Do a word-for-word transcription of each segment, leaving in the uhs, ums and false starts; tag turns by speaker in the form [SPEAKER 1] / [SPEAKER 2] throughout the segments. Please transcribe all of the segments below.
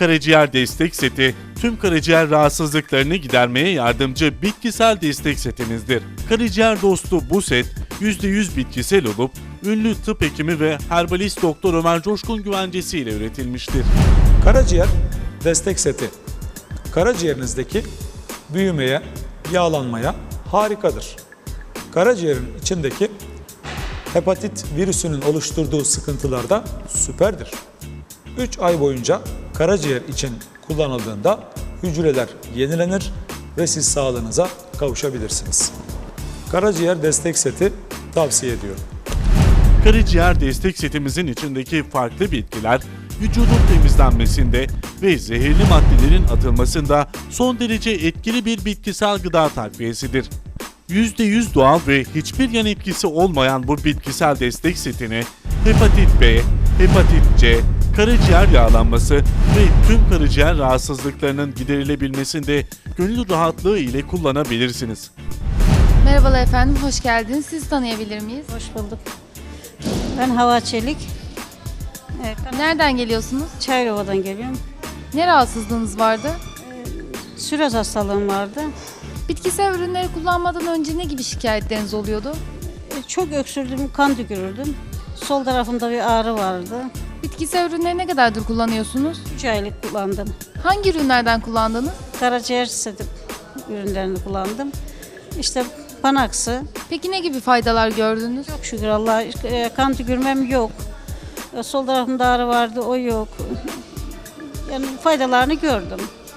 [SPEAKER 1] Karaciğer destek seti, tüm karaciğer rahatsızlıklarını gidermeye yardımcı bitkisel destek setimizdir. Karaciğer dostu bu set, yüzde yüz bitkisel olup, ünlü tıp hekimi ve herbalist Doktor Ömer Coşkun güvencesiyle üretilmiştir.
[SPEAKER 2] Karaciğer destek seti, karaciğerinizdeki büyümeye, yağlanmaya harikadır. Karaciğerin içindeki hepatit virüsünün oluşturduğu sıkıntılarda süperdir. üç ay boyunca karaciğer için kullanıldığında hücreler yenilenir ve siz sağlığınıza kavuşabilirsiniz. Karaciğer destek seti tavsiye ediyorum.
[SPEAKER 1] Karaciğer destek setimizin içindeki farklı bitkiler, vücudun temizlenmesinde ve zehirli maddelerin atılmasında son derece etkili bir bitkisel gıda takviyesidir. yüzde yüz doğal ve hiçbir yan etkisi olmayan bu bitkisel destek setini hepatit B, hepatit C, karaciğer yağlanması ve tüm karaciğer rahatsızlıklarının giderilebilmesinde gönül rahatlığı ile kullanabilirsiniz.
[SPEAKER 3] Merhabalar efendim, hoş geldiniz. Sizi tanıyabilir miyiz?
[SPEAKER 4] Hoş bulduk. Ben Hava Çelik. Evet,
[SPEAKER 3] Nereden geliyorsunuz?
[SPEAKER 4] Çayrova'dan geliyorum.
[SPEAKER 3] Ne rahatsızlığınız vardı?
[SPEAKER 4] Süroz hastalığım vardı.
[SPEAKER 3] Bitkisel ürünleri kullanmadan önce ne gibi şikayetleriniz oluyordu?
[SPEAKER 4] E, Çok öksürdüm, kan tükürürdüm. Sol tarafımda bir ağrı vardı.
[SPEAKER 3] Bitkisel ürünleri ne kadardır kullanıyorsunuz?
[SPEAKER 4] üç aylık kullandım.
[SPEAKER 3] Hangi ürünlerden kullandınız?
[SPEAKER 4] Karaciğer seti ürünlerini kullandım. İşte Panax'ı.
[SPEAKER 3] Peki ne gibi faydalar gördünüz?
[SPEAKER 4] Çok şükür Allah'a e, kan tükürmem yok. E, Sol tarafımda ağrı vardı, o yok. Yani faydalarını gördüm.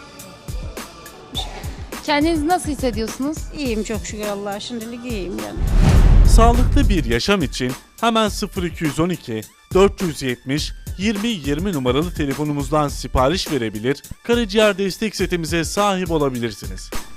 [SPEAKER 3] Kendinizi nasıl hissediyorsunuz?
[SPEAKER 4] İyiyim çok şükür Allah'a. Şimdilik iyiyim yani.
[SPEAKER 1] Sağlıklı bir yaşam için hemen sıfır iki on iki dört yüz yetmiş yirmi yirmi numaralı telefonumuzdan sipariş verebilir, karaciğer destek setimize sahip olabilirsiniz.